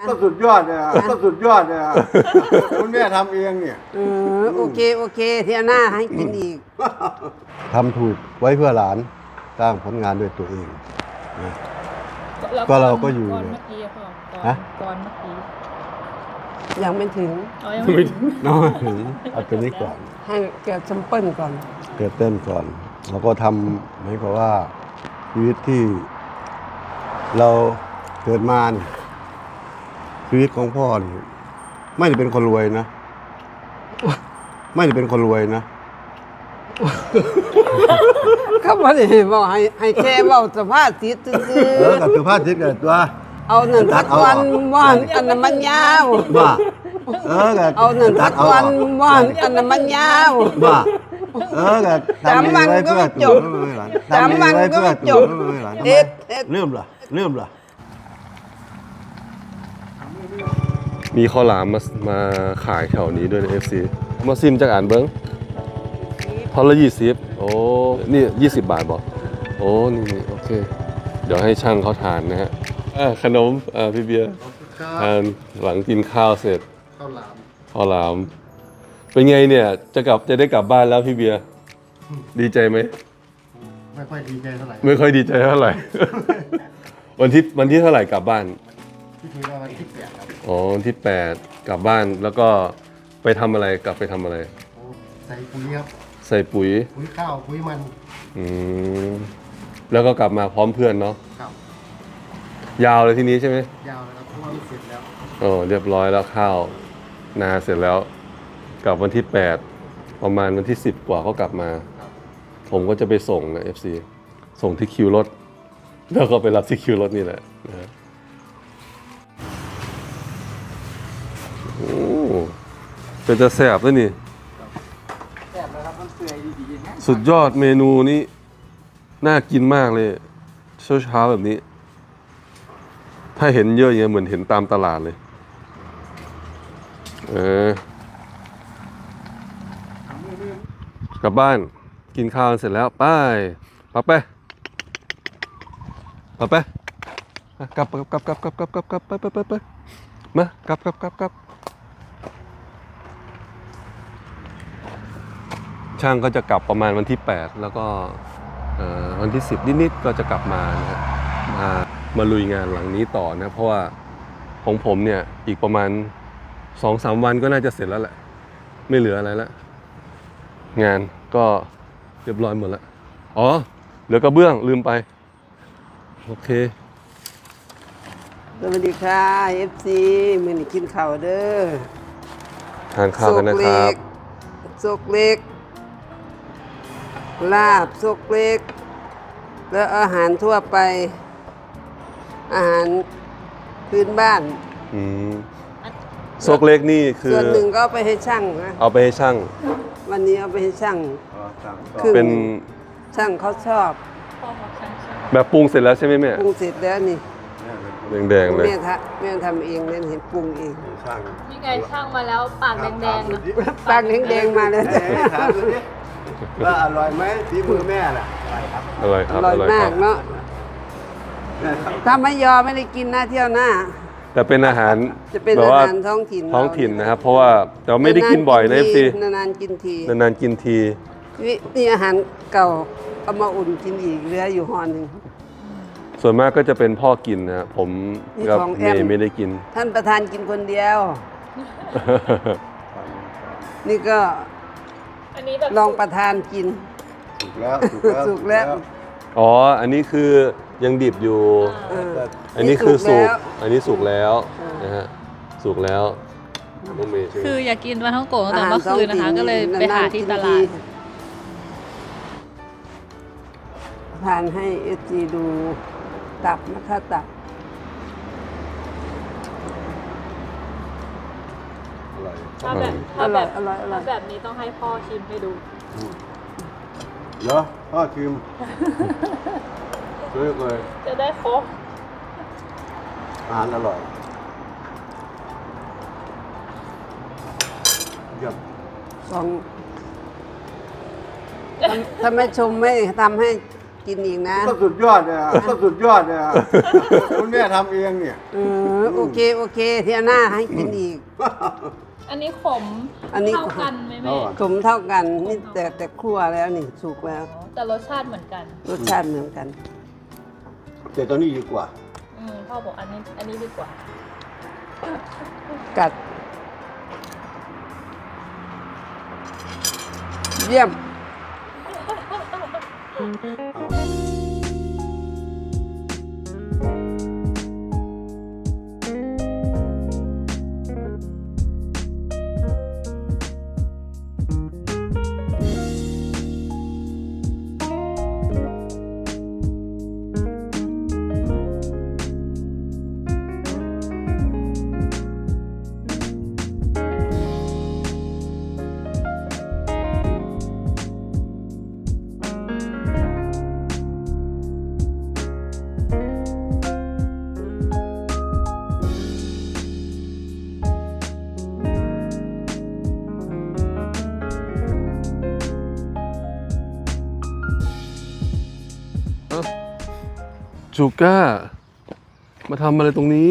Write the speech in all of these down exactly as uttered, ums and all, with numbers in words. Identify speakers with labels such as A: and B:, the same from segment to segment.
A: ก็สุดยอดเลยก็สุดยอดเลยคุณแม่ทำเองเนี่ย
B: เออโอเคโอเคเที่ยวหน้าให้กินอีก
A: ทำถูกไว้เพื่อหลานสร้างผลงานด้วยตัวเองนะก็เราก็อยู่
C: ก่อนเมื่อกี้พ่อก่อนก่อนเมื่อกี้
B: ยังไม่ถึง
C: อ๋อยังไม่ถึง
A: น้อยถึงเอาตัวนี้ก่อน
B: ให้เกิดซัมเปิลก่อน
A: เกิดเต้นก่อนแล้วก็ทำเหมือนกับว่าชีวิตที่เราเกิดมาเนี่ยชีวิตของพ่อนี่ไม่ได้เป็นคนรวยนะไม่ได้เป็นคนรวยนะ
B: ก็บ่ได้บอกให้ให้แค่เว้าสภาพจิตซื่อ
A: เออกับสุภาพจิตกันตัว
B: เอานั่นทักวันว่านอันนั้นมันยาว
A: ว่าเออกับ
B: เอานั่นทักวันว่านอันนั้นมันยาว
A: ว่าเออกับ
B: สามวันก็จบสามวันก็จบเอ็ด
A: เริ่มล่ะเริ่มล่ะ
D: มีข้าวหลามมามาขายแถวนี้ด้วยใน เอฟ ซี มาซิมจากอ่านเบิ้งทอละยี่สิบโอ้นี่ยี่สิบบาทบอกโอ้นี่โอเคเดี๋ยวให้ช่างเขาทานนะฮะขนมอ่าพี่เบียร์ทานหลังกินข้าวเสร็จข้าวหลามข้าวหลามเป็นไงเนี่ยจะกลับจะได้กลับบ้านแล้วพี่เบียร์ดีใจไหม
E: ไม่ค่อยดีใจเท่าไหร่
D: ไม่ค่อยดีใจเท่าไหร่วันที่วันที่เท่าไหร่กลับบ้าน
E: ที่ทีว่าวันที่แปดครับ
D: อ๋อวันที่แปดกลับบ้านแล้วก็ไปทำอะไรกลับไปทำอะไร
E: ใส่ปุ๋ยครับ
D: ใส่ปุ๋ย
E: ปุ๋ยข้าวปุ๋ยมัน
D: อืมแล้วก็กลับมาพร้อมเพื่อนเนาะ
E: ครับ
D: ยาวเลยทีนี้ใช่ไหม
E: ยาวเลยครับเพราะว่ามันเสร็จแล้ว
D: โอ้เรียบร้อยแล้วข้าวนาเสร็จแล้วกลับวันที่แปดประมาณวันที่สิบกว่าก็กลับมาผมก็จะไปส่งนะ เอฟ ซี ส่งที่คิวรถแล้วก็ไปรับที่คิวรถนี่แหละนะฮะโอ้เป็นจะแสบด้วยนี่
E: แซ่บแล้วครับมันเปื่อยดีๆนะ
D: สุดยอดเมนูนี้น่ากินมากเลยเช้าๆแบบนี้ถ้าเห็นเยอะอย่างเงี้ยเหมือนเห็นตามตลาดเลยเออกลับบ้านกินข้าวเสร็จแล้วไปปั๊บไปปั๊บไปกลับกลับกลับกลับกลับกลับกลับกลับไปไปไปไปมากลับกลับกลับกลับช่างก็จะกลับประมาณวันที่แปดแล้วก็วันที่สิบนิดๆก็จะกลับมานะฮะมามาลุยงานหลังนี้ต่อนะเพราะว่าของผมเนี่ยอีกประมาณ สองสาม วันก็น่าจะเสร็จแล้วแหละไม่เหลืออะไรแล้วงานก็เรียบร้อยหมดแล้วอ๋อเหลือกระเบื้องลืมไปโอเค
B: สวัสดีค่ะ เอฟ ซี มื้อนี้กินข้าวเด้อ
D: ทานข้าวกันนะครับ
B: ซกเล็กลาบซกเล็กแล้วอาหารทั่วไปอาหารพื้นบ้าน
D: อืมซกเล็กนี่คือ
B: ส่วนหนึ่งก็เอาไปให้ช่างนะ
D: เอาไปให้ช่าง
B: วันนี้เอาไปให้ช่าง
D: คือเป็น
B: ช่างเขาชอบ
D: แบบปรุงเสร็จแล้วใช่ไหมแม่
B: ปรุงเสร็จแล้วนี่
D: แดงๆเลย
B: แม่ทำแม่ทำเองแม่เห็นปรุงเอง
C: นี่ไงช่างมาแล้วปากแดงๆนะ
B: ปากแดงๆมาแล้ว
A: ว่าอร่อยไหมฝีมือแม่ล่ะ
D: อร่อยครับ
B: อร่อยมากเนาะถ้าไม่ยอมไม่ได้กินหน้าเที่ยวหน้า
D: แต่เป็นอาหาร
B: จะเป็นอาหารท้องถิ่น
D: ท้องถิ่นนะครับเพราะว่าเราไม่ได้กินบ่อยนะเอฟซี
B: นานๆกินที
D: นานๆกินที
B: นี่อาหารเก่าเอามาอุ่นกินอีกเหลืออยู่ห่อหนึ่ง
D: ส่วนมากก็จะเป็นพ่อกินนะผมกับเมย์ไม่ได้กิน
B: ท่านประธานกินคนเดียวนี่ก็ลองประธานกิน
A: สุกแล้ว
B: สุกแล้ว
D: อ๋ออันนี้คือยังดิบอยู่อันนี้คือสุกอันนี้สุกแล้วนะฮะสุกแล้วน้องเมย์
C: คืออยากกินปลาท่องโกะตั้งแต่เมื่อคืนนะคะก็เลยไปหาที่ตลาด
B: ทานให้เอจีดูตับนะคะตับ
C: ถ้าแบบถ้าแบบถ้าแบบนี้ต้องให้พ่อชิมให้ดู
A: เหรอพ่อชิมเลยเลย
C: จะได้ครบ
A: อาหารอร่อยเยี่ยม
B: สองถ้าไม่ชมไม่ทำให้กินอีกนะ
A: ก็สุดยอดเนี่ยก็สุดยอดเนี่ยคุณแม่ทำเองเนี่ย
B: เออโอเคโอเคเที่ยวหน้าให้กินอีก
C: อันนี้ขม
B: อันนี้
C: เท่ากันไหมแม่
B: สมเท่ากันนี่แต่แต่คั่วแล้วนี่สุกแล้ว
C: แต่รสชาติเหมือนกัน
B: รสชาติเหมือนกัน
A: แต่ตอนนี้ดีกว่า
C: อืมพ่อบอกอันนี้อันนี้ดีกว่า
B: กัด เยี่ยม
D: จูก้า มาทำอะไรตรงนี้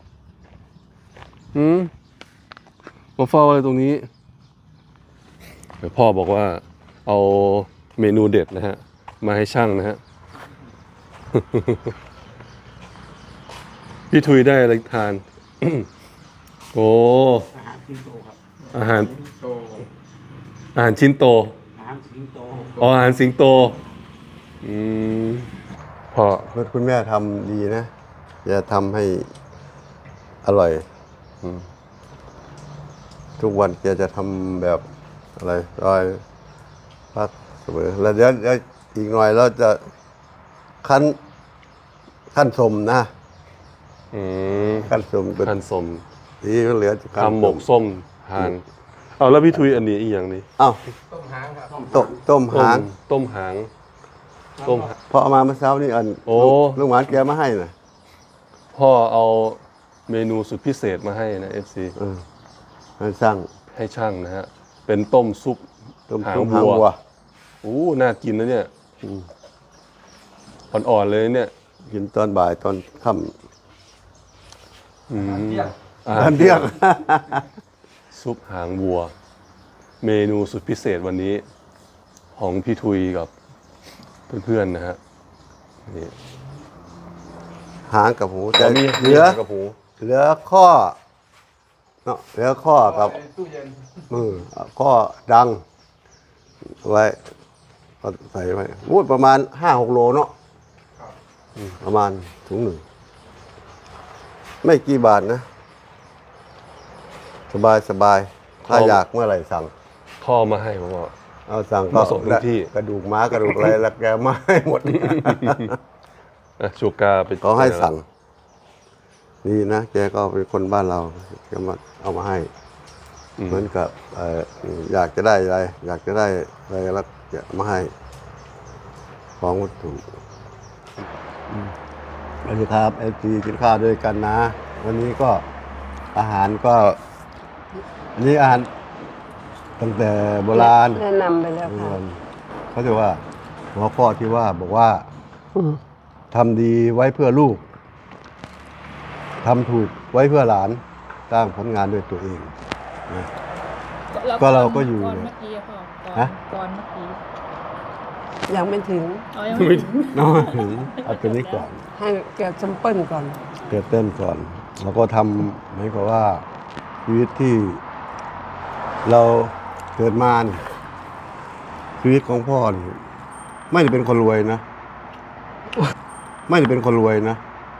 D: หืมมาเฝ้าอะไรตรงนี้เดี๋ยวพ่อบอกว่าเอาเมนูเด็ดนะฮะ มาให้ช่างนะฮะ พี่ทุยได้อะไรทาน โอ้
E: อาหารสิงโตครับ
D: อาหาร
E: โต
D: อาหารชิ้นโต
E: อาหารสิงโต
D: อ๋ออาหารสิงโต อืมพอ
A: คุณแม่ทำดีนะจะทำให้อร่อยอืมทุกวันแกจะทำแบบอะไรรอยพักเสมอแล้วเดี๋ยวเดี๋ยวอีกหน่อยเราจะขั้นขั้นสมนะ
D: อืม
A: ขั้นสมเป็น
D: ทานสม
A: ที่เหลือจะขั้น
D: ทำหมกส้มทาน เอาแล้วพี่ทุยอันนี้อีกอย่างนี้
A: อ้าว
E: ต้มหางครับ
A: ต้มต้ม
D: ต้
A: หาม ง
D: ต้มหาง ต้มหาง
A: พอเอามาเมื่อเช้านี่อัน
D: โอ้
A: ลูกหวานแกมาให้นะ
D: พ่อเอาเมนูสุดพิเศษมาให้นะ เอฟ ซี
A: เออให้สร้าง
D: ให้ช่างนะฮะ เป็นต้มซุป
A: ต้ม
D: หาง
A: ต้มหาง
D: วัว
A: วัว
D: อู้น่ากินนะเนี่ยอ่อนๆเลยเนี่ย
A: กินตอนบ่ายตอนค่
D: อืม
A: ำตอนเที่ยง
D: ซุปหางวัว เมนูสุดพิเศษวันนี้ ของพี่ทุยกับเพื่อนๆนะฮะนี่
A: หางกับหู
D: แต่
A: แต่
D: มี
A: เหลือ
D: กับหู
A: เหลือข้อเนาะเหลือข้อกับ
E: ตู้เย็น
A: มือข้อดังเอาไว้ก็ใส่ไว้วูดประมาณห้าหกโลเนาะอืมประมาณถุงหนึ่ง ไม่กี่บาทนะ สบายสบายถ้า
D: เอา
A: อยากเมื่อไหร่สั่ง
D: พ่อมาให้ผมว่า
A: เอาสั่งก็
D: มาส่งถึงที่
A: กระดูกม้ากระดูกอะไรแล้วแกมาให้หมด
D: อ่ะชูกาไป
A: เขาให้สั่งดีนะแกก็เป็นคนบ้านเราแกมาเอามาให้
D: อืม
A: เหมือนกับเอ่ออยากจะได้อะไร อยากจะได้อะไรแล้วจะมาให้ ของวัตถุสวัสดีครับเอฟซีกินข้าวด้วยกันนะ วันนี้ก็อาหารก็อันนี้อาหารตั้งแต่โบราณ
B: แนะนำไปแล้วค่ะ
A: เขาจะว่าหัวข้อที่ว่าบอกว่าทำดีไว้เพื่อลูกทำถูกไว้เพื่อหลานสร้างผลงานด้วยตัวเองนะ
C: แล้ว
A: ก็เราก็อยู่
C: ก่อนเมื่อกี้อะพ่อก่อน
A: ฮะ
C: ก่อนเมื่อกี้
B: ยังไม่ถึง
C: อ๋อยังไม่ถึง
A: น้อยถึงเอาตัวนี้ก่อน
B: ให้เกิดซัมเปิลก่อน
A: เกิดเต้นก่อน แล้วก็ทำเหมือนกับว่าชีวิตที่เราเกิดมานี่ชีวิตของพ่อนี่ไม่ได้เป็นคนรวยนะ ไม่ได้เป็นคนรวยนะ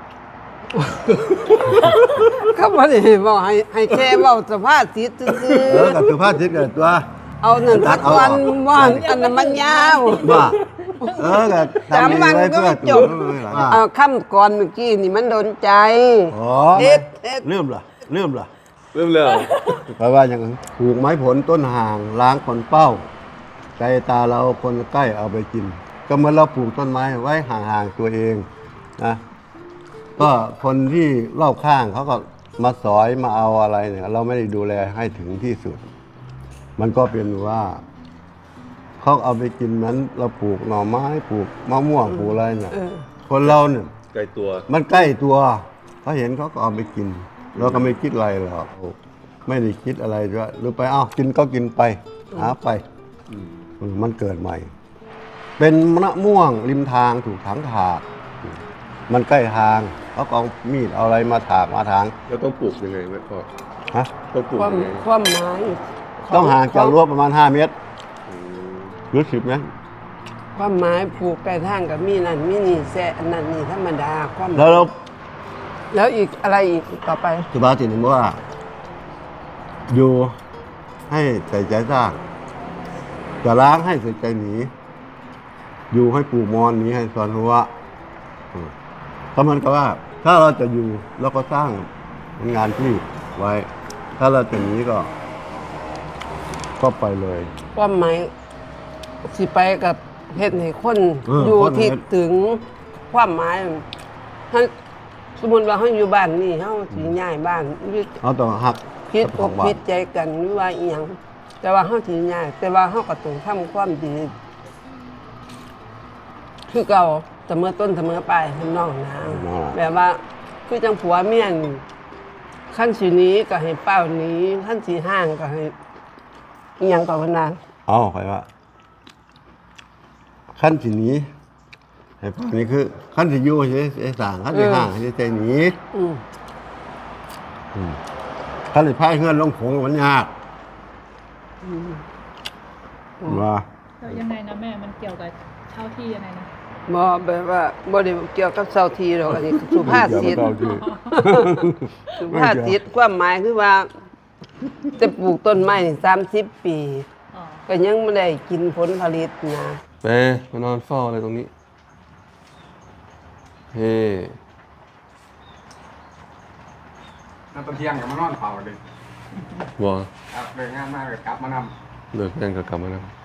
B: ก็บ่ได้บอกให้ให้แค่เว้าสภาพจิตซื่อ
A: เออกับสุภาพจิตเกิดว่า
B: ๆเอานั่นสักวันว่าอันนั้นมันยาว
A: ว่าเออกับทำดี
B: จำมัน
A: ไว้
B: ก็
A: เพื่อ
B: ไม่จ
A: ตัว
B: บ
A: ว่า
B: เอาค่ำก่อนเมื่อกี้นี่มันโดนใจ
A: อ๋อ
B: เด็ดเด็ด
A: เริ่มล่ะเริ่มล่ะ
D: เริ่มแล้ว
A: แปลว่าอย่างนั้นปลูกไม้ผลต้นห่างล้างคนเป้า ใจตาเราคนใกล้เอาไปกิน ก็เหมือนเราปลูกต้นไม้ไว้ห่างๆตัวเองนะก็คนที่รอบข้างเขาก็มาสอยมาเอาอะไรเนี่ย เราไม่ได้ดูแลให้ถึงที่สุด มันก็เป็นว่าเขาเอาไปกินนั้นเราปลูกหน่อไม้ปลูกมะม่วงปลูกอะไรเนี่ย
B: เออ
A: คนเราเนี่ย
D: ไกลตัว
A: มันใกล้ตัวเขาเห็นเขาก็เอาไปกิน เราก็ไม่คิดอะไรหรอกไม่ได้คิดอะไรด้วยหรือไปอ้าวกินก็กินไปหาไป
D: อืม
A: เออมันเกิดใหม่ เป็นมะม่วงริมทางถูกถางถากมันใกล้ทางเขาก็เอามีดเอาอะไรมาถากมาถาง
D: แล้วต้องปลูกยังไงแม่พ่อ
A: ฮะ
D: ต้องปลูก
B: ความ
D: ยังไง
B: ความหมาย
A: ต้องห่างจากรั้วประมาณห้าเมตร
D: อืม
A: หรือสิบเมตร
B: ความหมายผูกไก่ทางกับมีนั่นมีนี่แซ่อันนั้นนี่ธรรมดาความ
A: แล้วเรา
B: แล้วอีกอะไรอีกต่อไป
A: สุภาษิตเห็นว่า อยู่ให้ใส่ใจสร้างจะล้างให้ใส่ใจหนีอยู่ให้ปลูกมอนหนีให้สอนหัวอืมเพราะมันก็ว่า ถ้าเราจะอยู่เราก็สร้างงานที่ไว้ ถ้าเราจะหนีก็ ก็ไปเลย
B: ความหมายสิไปกับเฮ็ดให้คน
A: เออ
B: อยู่
A: คน
B: ที่
A: เฮ็ด
B: ถึงความหมายถ้าสมมุติว่าเฮาอยู่บ้านนี่เฮาสิย้ายบ้านหรือ
A: เอาต้องหัก
B: คิด
A: เจ้า
B: อ
A: ขอก งบ้าน
B: คิดใจกันหรือว่าอีหยังแต่ว่าเฮาสิย้ายแต่ว่าเฮาก็ต้องทำความดี คือเก่าเสมอต้นเสมอปลายทำนองนะแบบว่าคือจังผัวเมียนี่ขั้นสีหนี้ก็ให้เป้าหนี้ขั้นสีห้างก็ให้อิหยังกับพนาน
A: เอาไปว่า ขั้นที่หนี้ให้พวกนี้คือ ขั้นที่อยู่ใช้สร้างขั้นที่ห่างใช้ใจหนี
B: อืม
A: อืมขั้นที่พายเงื่อนลงโขงมันยากว่า
C: แล้วยังไงนะแม่ มันเกี่ยวกับเช่าที่ยังไงนะ
B: บ่แบบว่าบ่ได้เกี่ยวกับเซาทีหรอกอันนี้สุภาษิต
A: เดี๋ยวเราดู
B: สุภาษิตความหมายคือว่า จะปลูกต้นไม้สามสิบปี
C: อ๋อ
B: ก็ยังไม่ได้กินผลผลิตนะ
D: แปมานอนเฝ้าอะไรตรงนี้ เฮ้
E: น้ำตะเทียงกับมานอนเผาเลย
D: วอ
E: ครับเลยงานมากเลยกลับมาน
D: เลิกงานก็กลับมาแล้ว